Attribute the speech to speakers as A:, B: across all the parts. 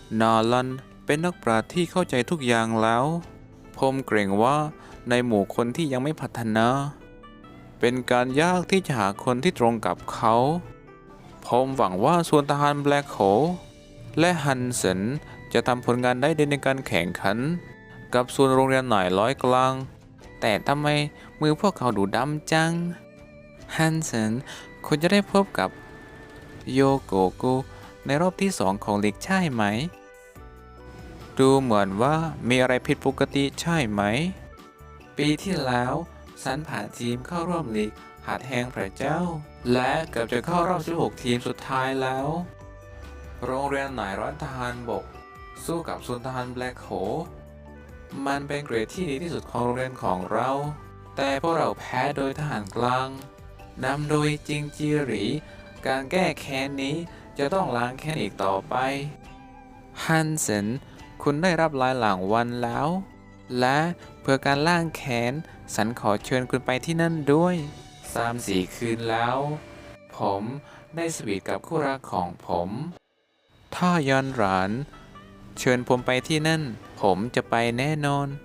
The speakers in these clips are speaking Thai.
A: นาลันเป็นนักปราชญ์ที่เข้าใจทุกอย่างแล้วผมเกรงว่าในหมู่คนที่ยังไม่พัฒนาเป็นการยากที่จะหาคนที่ตรงกับเขาผมหวังว่าส่วนทหารแบล็คโฮลและฮันเซนจะทำผลงานได้ดีในการแข่งขันกับส่วนโรงเรียนหน่ายร้อยกลางแต่ทำไมมือพวกเขาดูดำจังฮันเซนคุณจะได้พบกับโยโกโกในรอบที่2ของลีกใช่ไหมดูเหมือนว่ามีอะไรผิดปกติใช่ไหมปีที่แล้วฉันผ่านทีมเข้าร่วมลีกหาดแห่งพระเจ้าและเกือบจะเข้ารอบ16ทีมสุดท้ายแล้วโรงเรียนหน่ายร้อยทหารบกสู้กับศูนย์ทหารแบล็คโฮลมันเป็นเกรดที่ดีที่สุดของโรงเรียนของเราแต่พวกเราแพ้โดยทหารกลางนำโดยจิงจีหรีการแก้แค้นนี้จะต้องล้างแค้นอีกต่อไปฮันเซนคุณได้รับลายหลังวันแล้วและเพื่อการล้างแค้นฉันขอเชิญคุณไปที่นั่นด้วย3-4 คืนแล้ว ผมได้สวีทกับคู่รักของผมถ้าย้อนหลานเชิญผมไปที่นั่นผมจะไปแน่นอน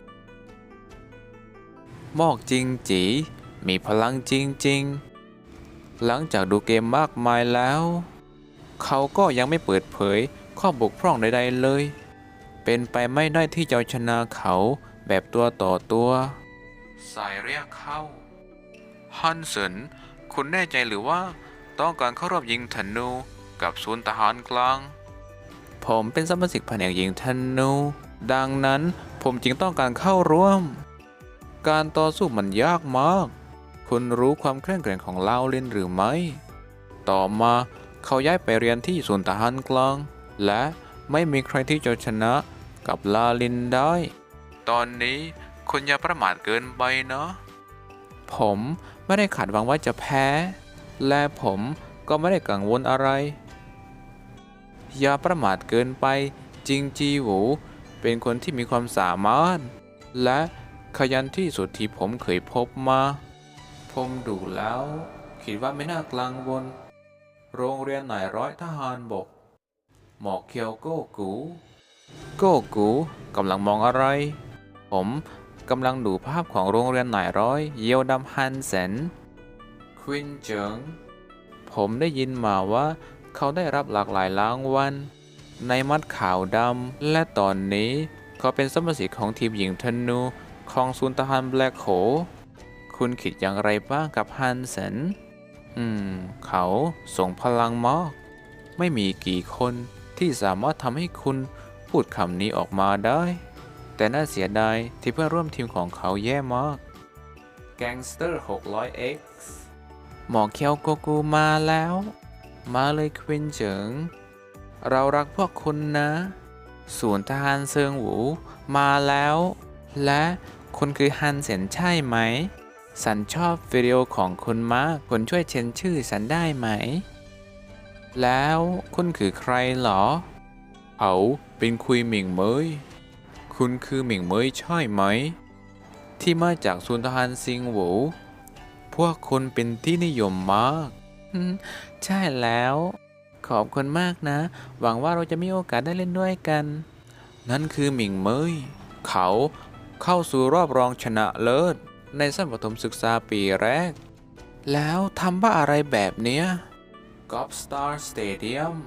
A: มอกจริงจีมีพลังจริงๆหลังจากดูเกมมากมายแล้วเขาก็ยังไม่เปิดเผยข้อบกพร่องใดๆเลยเป็นไปไม่ได้ที่จะชนะเขาแบบตัวต่อตัวสายเรียกเข้าฮันเซนคุณแน่ใจหรือว่าต้องการเข้ารอบยิงธนูกับศูนย์ทหารกลางผมเป็นสมาชิกแผนกยิงธนูดังนั้นผมจึงต้องการเข้าร่วมการต่อสู้มันยากมากคุณรู้ความเคร่งแกร่งของลาวลินหรือไม่ต่อมาเขาย้ายไปเรียนที่ศูนย์ทหารกลางและไม่มีใครที่จะชนะกับลาลินได้ตอนนี้คุณอย่าประมาทเกินไปเนาะผมไม่ได้คาดหวังว่าจะแพ้และผมก็ไม่ได้กังวลอะไรอย่าประมาทเกินไปจิงจีหวูเป็นคนที่มีความสามารถและขยันที่สุดที่ผมเคยพบมาผมดูแล้วคิดว่าไม่น่ากังวลโรงเรียนนายร้อยทหารบกหมอกเคียวโกกูกำลังมองอะไรผมกำลังดูภาพของโรงเรียนนายร้อยเยียวดำฮันเซนควินเจิงผมได้ยินมาว่าเขาได้รับหลากหลายรางวัลในมัดขาวดำและตอนนี้เขาเป็นสมาชิกของทีมหญิงธนูของศูนย์ทหารแบล็คโฮลคุณคิดอย่างไรบ้างกับฮันเซนเขาส่งพลังมากไม่มีกี่คนที่สามารถทำให้คุณพูดคำนี้ออกมาได้แต่น่าเสียดายที่เพื่อนร่วมทีมของเขาแย่มากแก๊งสเตอร์ 600X หมอเคียวโกกูมาแล้วมาเลยควินเฉิงเรารักพวกคุณนะศูนย์ทหารเซิงหวูมาแล้วและคุณคือฮันเซ็นใช่ไหมฉันชอบวิดีโอของคุณมากคุณช่วยเช็นชื่อฉันได้ไหมแล้วคุณคือใครเหรอเขาเป็นคุยหมิงเหมยคุณคือหมิงเหมยใช่ไหมที่มาจากศูนย์ทหารซิงหวูพวกคุณเป็นที่นิยมมากใช่แล้วขอบคุณมากนะหวังว่าเราจะมีโอกาสได้เล่นด้วยกันนั่นคือหมิงเหมยเขาเข้าสู่รอบรองชนะเลิศในชั้นประถมศึกษาปีแรกแล้วทำบ้าอะไรแบบเนี้ยกอล์ฟสตาร์สเตเดียม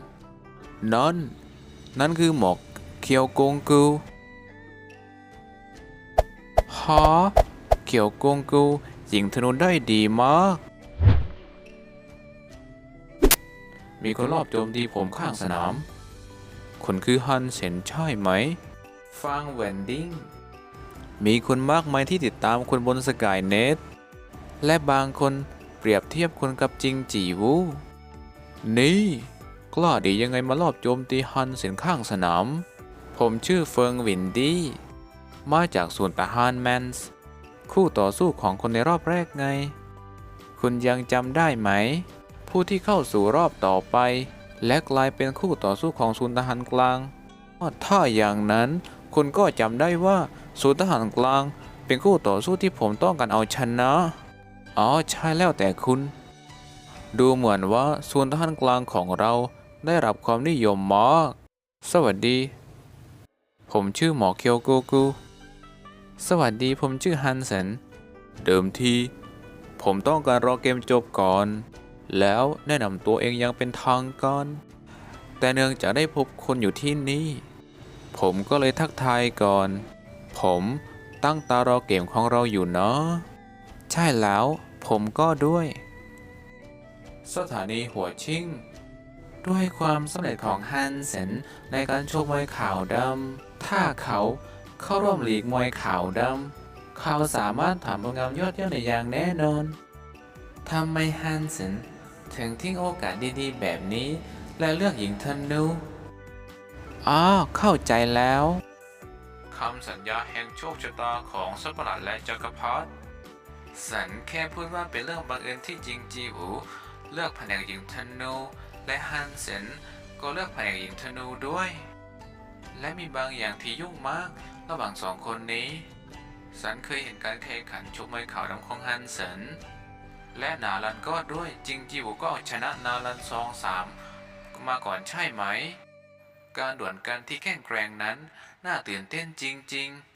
A: นั่นคือหมอกเคียวกงกูฮะเคียวกงกูยิงธนูได้ดีมากมีคนรอบโจมตีผมข้างสนามคนคือฮันเซ็นใช่ไหมฟังแวนดิ้งมีคนมากมายที่ติดตามคนบนสกายเน็ตและบางคนเปรียบเทียบคนกับจิงจีวูนี่กล้าดียังไงมาลอบโจมตีฮันเซ็นข้างสนามผมชื่อเฟิงวินดี้มาจากศูนย์ทหารแมนส์คู่ต่อสู้ของคนในรอบแรกไงคุณยังจำได้ไหมผู้ที่เข้าสู่รอบต่อไปและกลายเป็นคู่ต่อสู้ของศูนย์ทหารกลางถ้าอย่างนั้นคุณก็จำได้ว่าศูนย์ทหารกลางเป็นคู่ต่อสู้ที่ผมต้องการเอาชนะอ๋อใช่แล้วแต่คุณดูเหมือนว่าศูนย์ทหารกลางของเราได้รับความนิยมมากสวัสดีผมชื่อหมอเคียวกูกูสวัสดีผมชื่อฮันเซนเดิมทีผมต้องการรอเกมจบก่อน แล้วแนะนำตัวเองอยังเป็นทางการแต่เนื่องจากได้พบคนอยู่ที่นี่ ผมก็เลยทักทายก่อน ผมตั้งตารอเกมของเราอยู่เนาะใช่แล้วผมก็ด้วย สถานีหัวชิ่งด้วยความสำเร็จของฮันเซนในการชกมวยขาวดำถ้าเขาเข้าร่วมลีกมวยขาวดำเขาสามารถทำผลงานยอดเยี่ยมได้อย่างแน่นอนทำไมฮันเซนถึงทิ้งโอกาสดีๆแบบนี้และเลือกหญิงธนูอ๋อเข้าใจแล้วคำสัญญาแห่งโชคชะตาของสัตว์ประหลาดและจักรพรรดิสันแค่พูดว่าเป็นเรื่องบังเอิญที่จริงจีอูเลือกแผนกหญิงธนูและฮันเซนก็เลือกแผนกหญิงธนูด้วย และมีบางอย่างที่ยุ่งมากระหว่างสองคนนี้สันเคยเห็นการแข่งขันชกมวยขาวดำของฮันเซนและนารันก็ด้วยจริงจิวก็ชนะนารัน2-3มาก่อนใช่ไหมการดวลกันที่แข่งแกร่งนั้นน่าตื่นเต้นจริงๆ